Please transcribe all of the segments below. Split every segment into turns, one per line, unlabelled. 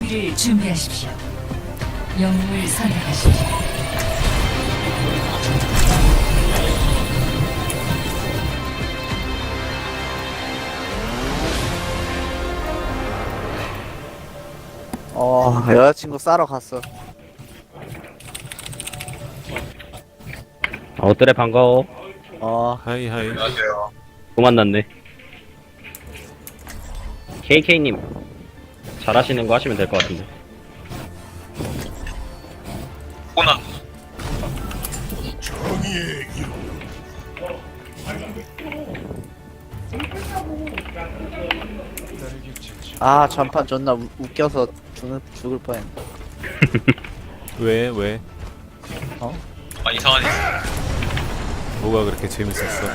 수비를 준비하십시오. 영웅을 선택하십시오.
여자친구 싸러 갔어.
어때래 반가워.
하이 하이.
안녕하세요.
또 만났네. KK님 잘하시는 거 하시면 될 것 같은데.
호나.
전판 존나 웃겨서 죽을 뻔했네.
왜 왜?
아 이상하네.
뭐가 그렇게 재밌었어?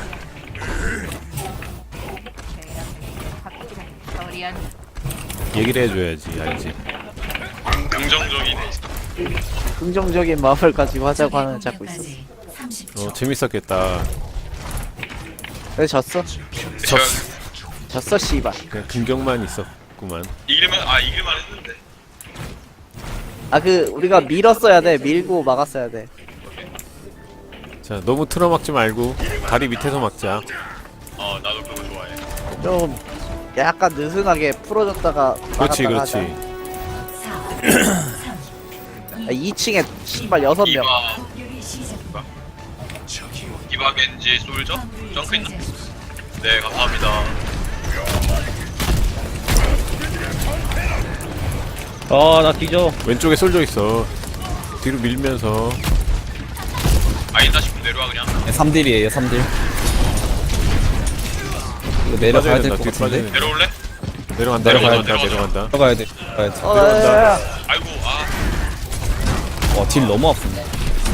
얘기를 해줘야지 알지.
긍정적이네.
긍정적인 마음을 가지고 하자고 하는 자꾸 있었어.
30초.
재밌었겠다.
근데 졌어? 졌어 씨발.
그냥 긍정만 있었구만.
이길만 했는데.
우리가 밀었어야 돼. 밀고 막았어야 돼.
자 너무 틀어막지 말고 다리 밑에서 막자.
나도 그거 좋아해.
좀 약간 느슨하게 풀어줬다가
그렇지
막았다가
그렇지.
하자. 2층에 씨발 6명.
이바 겐지 솔저? 점프 있나? 네 감사합니다.
나 뒤져.
왼쪽에 쏠져 있어. 뒤로 밀면서.
아니다 싶으면 내려와 그냥.
3딜이에요 3딜. 이거 내려가야 될 것
뒤로
같은데?
빠져야 된다.
내려올래?
내려간다
내려가자.
내려간다.
내려가야 돼. 내려가야 돼.
야야야.
아이고
와, 딜 너무 아픈데.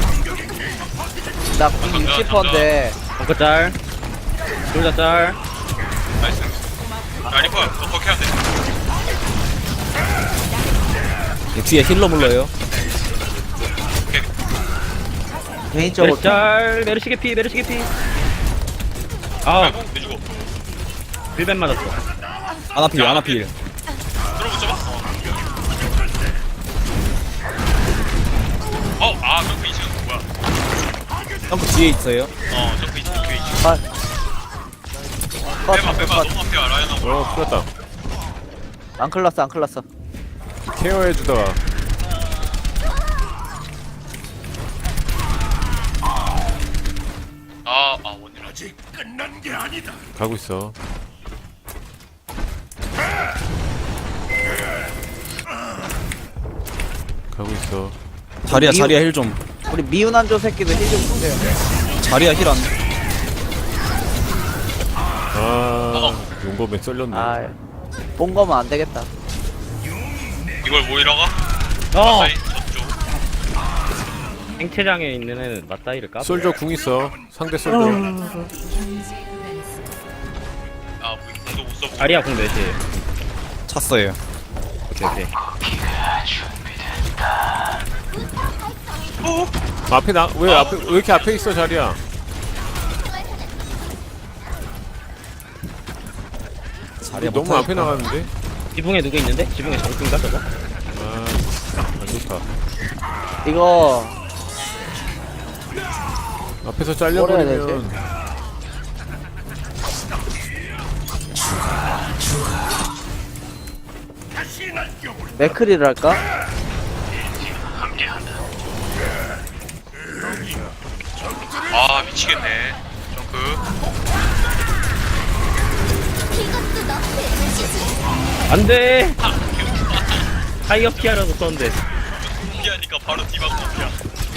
나 60%인데
벙커 짤. 둘다 짤.
나이스. 야 리퍼 너 버텨야 돼.
뒤에 힐러 물러요.
개인적으로
메르시 짤. 메르시 개피. 메르시 개피.
아이고 내주고.
빌벤 맞았어.
아나필 아나필.
들어붙여봐. 점프 2층 뭐야?
점프 뒤에 있어요.
점프 2층 뒤에 2층. 빼봐 너무 앞에 라이언 하고.
풀었다.
안 클났어.
케어해주다가.
원일 아직 끝난 게 아니다.
가고 있어. 가고 있어.
자리야 자리야 힐 좀.
우리 미운 한조 새끼도 힐 좀 주세요.
자리야 힐 안.
용검에 썰렸네.
본 거면 안 되겠다.
이걸 모이러 가?
어.
저쪽.
행체장에 있는 애는 맞다이를 까.
솔저 궁 있어. 상대 솔저.
공도 못 써보고.
아리아 공 몇이?
찼어요.
오케이.
앞에 왜 이렇게 앞에 있어 자리야?
자리야
너무 앞에 나가는데?
지붕에 누구 있는데? 지붕에 정수인가 저거?
안 좋다.
이거
앞에서
뭘 해야
잘려버리면
맥크리를 할까?
미치겠네. 점프.
안돼. 타이어 피하라고 썼는데.
피하니까 바로 디바 피야.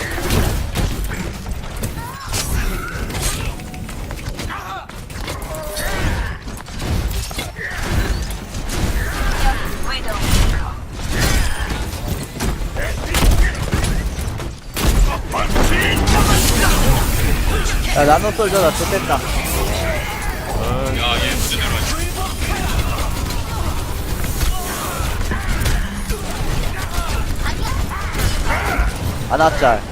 야 나노 솔저 나 좋댔다.
야얘 문제 내려와.
아나짤.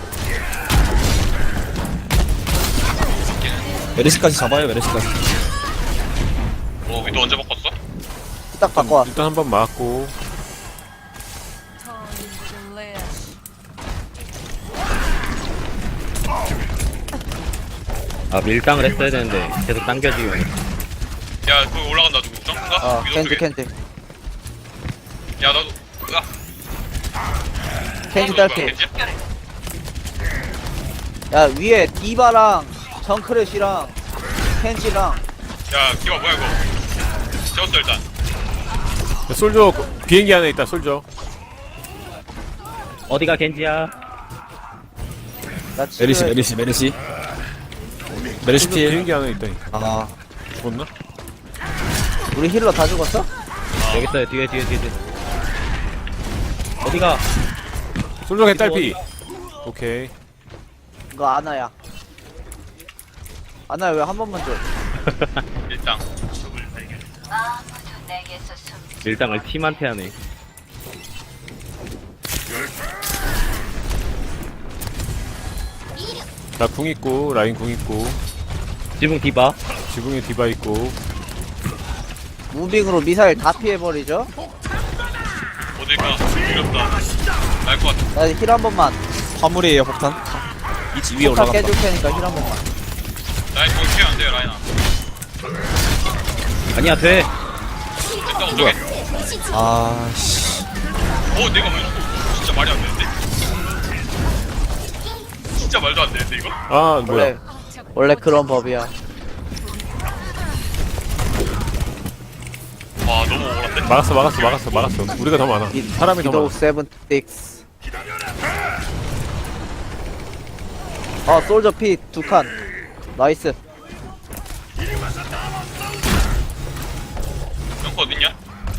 메르시까지 잡아요 메르시까지.
위도 언제 바꿨어?
딱 바꿔.
일단 한번 맞고
아 밀당을 했어야 되는데 계속 당겨지고.
야 거기 올라간다 누구 점프인가? 위도
켄지
쪽에.
켄지
야 나도
켄지 딸피.
켄지?
야 위에 디바랑 정크렛이랑 켄지랑
야 기바 뭐야 이거 재웠어 일단.
솔저 비행기 안에 있다 솔저.
어디가 겐지야?
나
메르시
치료해.
메르시
솔저
필.
비행기 안에 있다니까.
아
죽었나?
우리 힐러 다 죽었어?
여기 있어요. 뒤에. 어디가?
솔저 개딸피. 오케이.
이거 아나야. 아나야 왜 한 번만 줘?
일단
밀당을 팀한테 하네.
나 궁 있고 라인 궁 있고
지붕 디바.
지붕에 디바 있고.
무빙으로 미사일 다 피해버리죠?
어딜까 어렵다. 날 것 같아.
나 힐 한 번만.
화물이에요 폭탄. 이 위에
폭탄
올라간다.
깨줄 테니까 힐 한 번만.
라인 거기 피해 안 돼요 라인아.
아니야 돼.
됐다 어쩌게.
아씨.
내가 왜 죽어? 진짜 말이 안 되는데? 진짜 말도 안 되는데 이거?
아 뭐야?
원래 그런 법이야.
와 너무 억울한데?
막았어. 우리가 더 많아. 사람이 더
기도
많아.
76. 솔저 피 2칸. 나이스.
영코 어딨냐?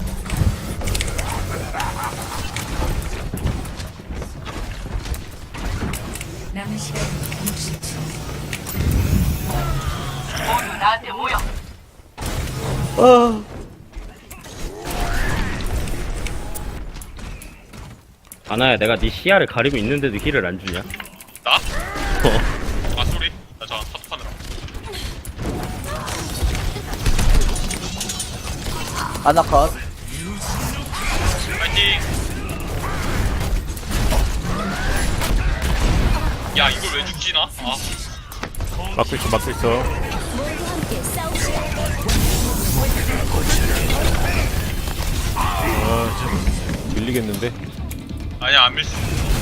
남은 시간 60초.
아나야 내가 네 시야를 가리고 있는데도 힐을 안 주냐?
나? 아 쏘리? 나 저 사투하느라.
아나컷.
파이팅! 야 이걸 왜 죽지 나?
막고 있어. 참 밀리겠는데.
아니야 안 밀수.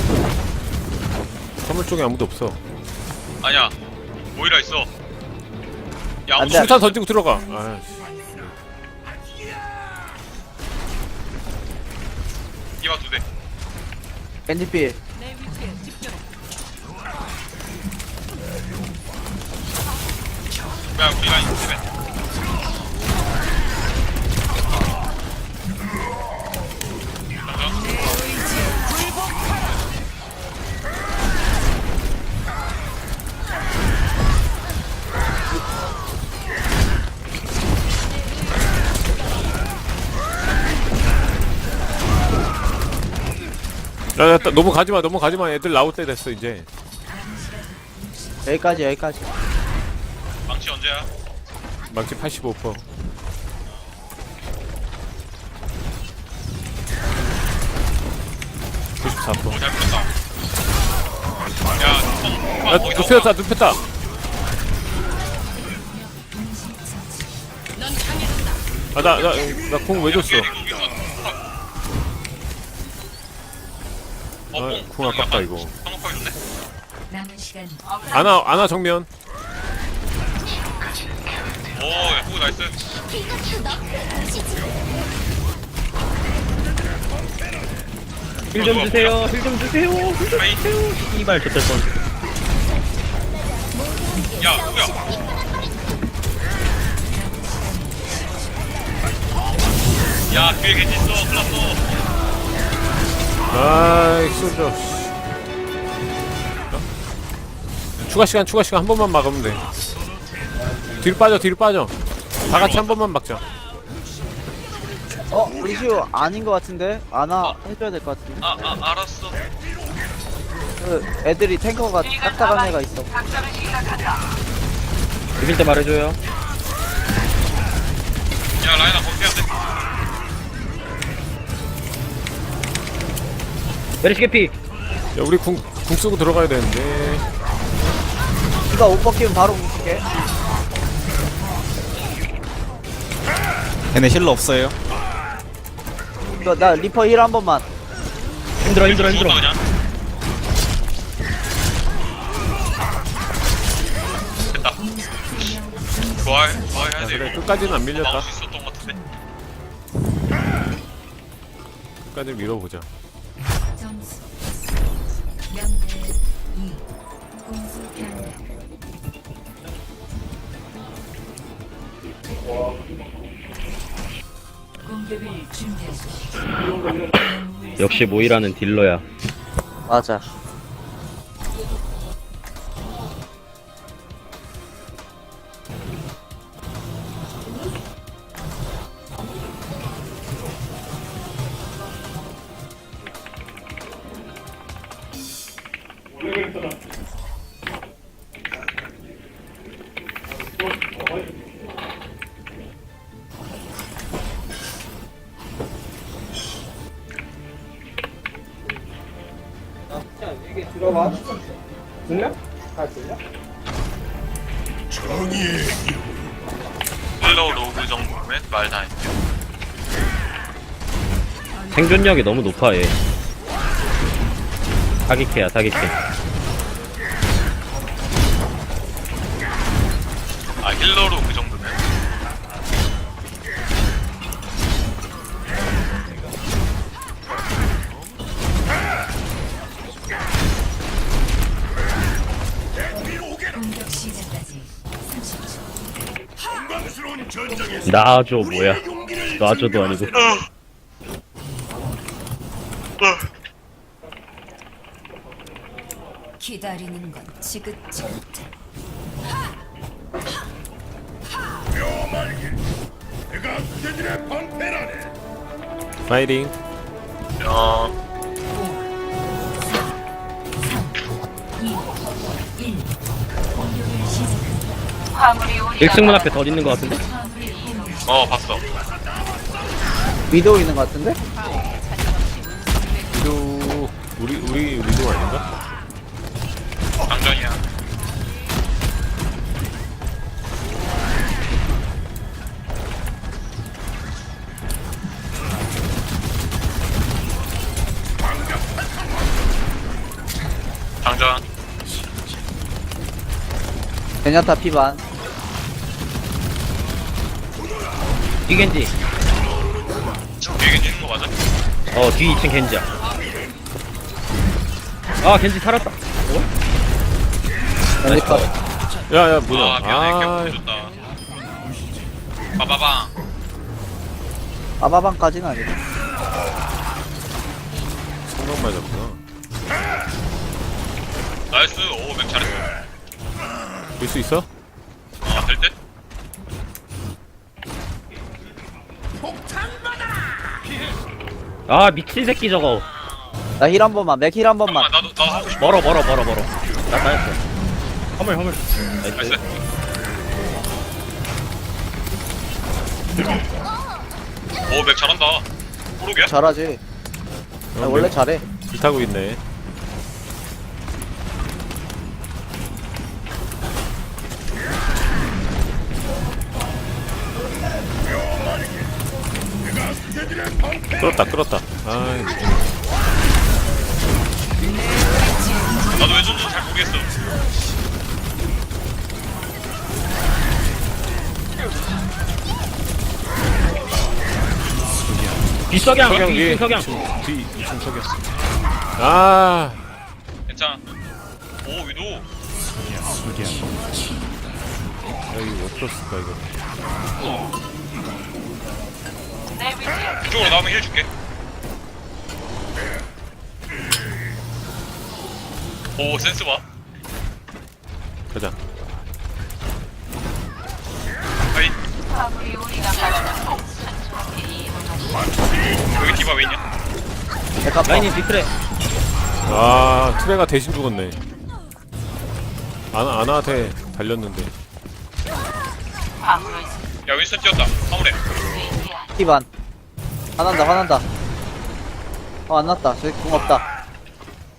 선물 쪽에 아무도 없어.
아니야 모이라 있어. 야
안
아무도
돼.
수탄 던지고 들어가. 아,
이마 2대.
겐지 필.
야 우리 라인 2대.
야, 너무 가지마. 애들 나올 때 됐어 이제.
여기까지.
망치 언제야?
망치 85%. 94%.
잘 풀었다. 야
눕혔다. 아, 나 공 왜 줬어? 공 아깝다, 이거.
상업하게 줬네?
남은 시간
아나 정면.
오, 야, 오, 나이스.
힐 좀 주세요.
하이.
이발 좋될 뻔.
야, 누구야? 야, 뒤에 겐지 있어. 큰일 났어.
아이, 쏘죠. 추가 시간 한 번만 막으면 돼. 뒤로 빠져. 다 같이 한 번만 막자.
루시오 아닌 것 같은데? 아나 해줘야 될 것 같은데?
알았어.
그 애들이 탱커가 딱딱한 애가 있어.
이길 때 말해줘요.
야, 라인아, 거기 해야 돼.
메리시 개피.
야 우리 궁 쓰고 들어가야 되는데.
이거 옷 벗기면 바로 붙게.
얘네 힐러 없어요.
나 리퍼 힐 한 번만.
힘들어.
죽었다 그냥. 됐다. 부활해야 돼.
그래 끝까지는 안
막을
밀렸다.
수 있었던 것 같은데.
끝까지 밀어보자.
점수 명대 2 공수 변경 공격을 준비하십시오.
역시 모이라는 딜러야.
맞아.
힐러 로그 정도면 말 다 했죠.
생존력이 너무 높아 얘. 사기캐야 사기캐.
아 힐러로 그 정도면.
공격 시작까지 30초.
놔줘 뭐야. 놔줘도 아니고.
기다리는 건 지긋지긋해.
파이팅.
야
2 1 공격을 시작합니다.
일승문 앞에 더 있는 것 같은데?
봤어.
위도우 있는 것 같은데?
위도 우리 위도 아닌가?
장전이야. 장전.
베냐타 피반.
뒤겐지.
뒤에 있는 거 맞아?
뒤 2층 겐지야. 아 겐지 살았다.
벤지컷.
야야 뭐야?
아 미안해.
아
개 줬다. 빠바방.
아바방까지는 아니고.
성공 맞았구나.
나이스. 오 맥 잘했어.
볼 수 있어?
될 듯?
아 미친 새끼 저거.
나 힐 한 번만. 맥 힐 한 번만.
나도 하고 싶어.
멀어. 나 따였어. 허물.
나이스.
나이스.
오 맥 잘한다. 호록이야?
잘하지. 나 원래 잘해.
불타고 있네. 끌었다. 아
나도 왜 줬는지 잘 모르겠어.
뒷석양
석양
뒤
위에
2층 석양.
뒤 2층 석양. 아
괜찮아. 오 위도.
여기 못 풀었을까 이거.
이쪽으로 나오면 힐 줄게. 오 센스 봐.
가자.
하이. 여기 디바 왜 있냐?
백합.
라인이 뒤트레.
아 트레가 대신 죽었네. 아나한테 달렸는데.
야 윈스턴 뛰었다. 화물에.
피반. 화난다. 안 났다. 저기 궁 없다.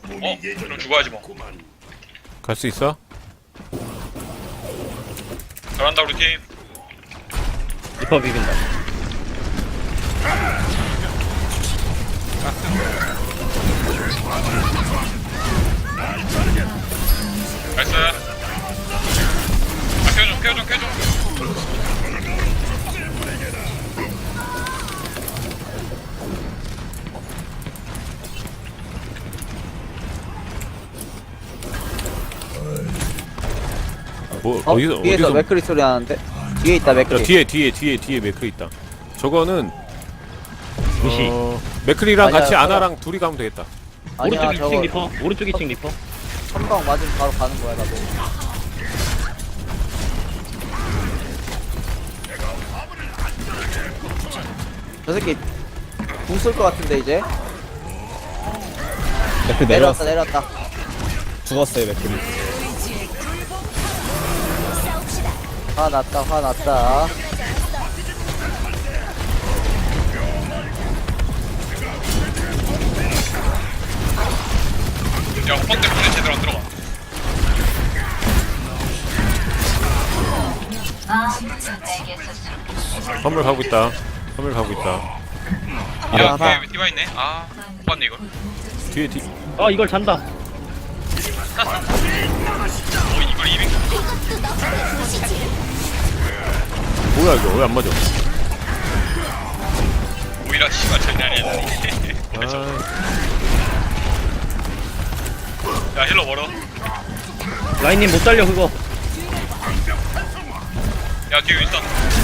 그럼 죽어야지 뭐.
갈 수 있어?
잘한다 우리 팀.
리퍼 비빈다.
나이스. 켜줘.
뭐
뒤에서
어디서
맥크리 소리 나는데? 뒤에 있다
야,
맥크리.
뒤에 맥크리 있다. 저거는
무시.
맥크리랑
아니야,
같이
저거-
아나랑 둘이 가면 되겠다.
아니야
오른쪽 2층
저거
리퍼. 오른쪽 2층 리퍼.
선방 맞으면 바로 가는 거야 나도. 저 새끼 궁 쏠 것 같은데 이제.
맥클
내려왔다
내려왔어.
내려왔다.
죽었어요 맥클이.
화났다.
야 호빵 때문에 제대로 안 들어가.
화물 가고 있다.
야
봐.
뒤에 디바 있네. 아 못 봤네 이걸.
뒤에
아 이걸 잔다.
이걸 200.
뭐야 이거 왜 안 맞아?
오히려 씨발 장난이 아니야.
아,
야 힐러 멀어.
라인님 못 달려 그거.
야 뒤에 윈스턴.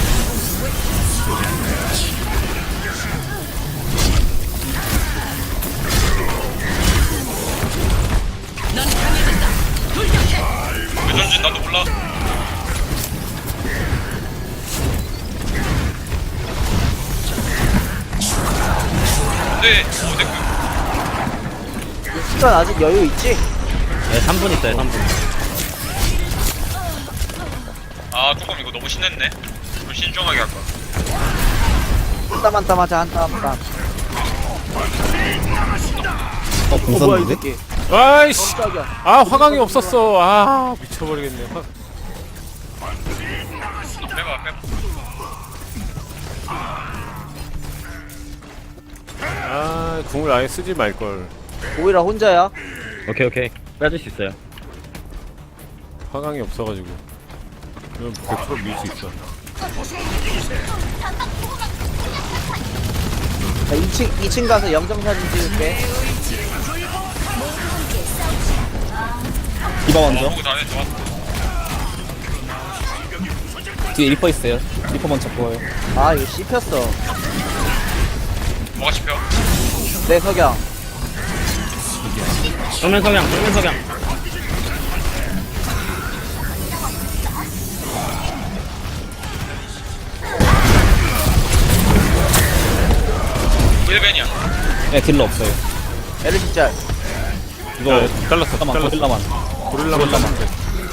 왜 전진 나도 몰라. 네, 데크.
시간 아직 여유 있지?
네 3분 있어요 3분.
아 조금 이거 너무 신났네. 좀 신중하게 할 거야.
한 땀 하자 한 땀.
공
뭐야 이
썼는데?
새끼.
아이씨.
깜짝이야.
아 화강이 없었어. 아 미쳐버리겠네.
빼봐.
아 궁을 아예 쓰지 말 걸.
오히려 혼자야.
오케이. 빼줄 수 있어요.
화강이 없어가지고. 그럼 100% 밀 수 있어.
자, 2층 가서 영정사진 찍을게.
디바 먼저.
보고 잘해 좋았어.
뒤에 리퍼 있어요. 리퍼 먼저 보여요.
아 이거 씹혔어.
뭐가 씹혀?
내 석양.
정면 석양.
일벤이야.
네 딜러 없어요.
에르시짤.
이거
야, 잘랐어.
잠깐만 고릴라만.
고릴라만 잘랐는데.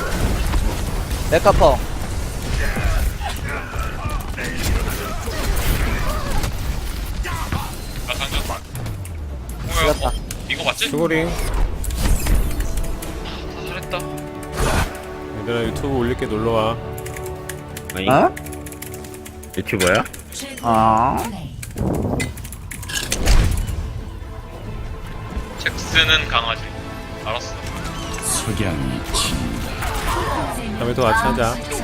메카펑.
나 상전. 뭐야?
죽였다.
이거 맞지?
수고링.
잘했다.
얘들아 유튜브 올릴게 놀러와.
아니
어?
유튜버야?
아.
잭스는 강아지. 알았어.
다음에 또 같이 하자.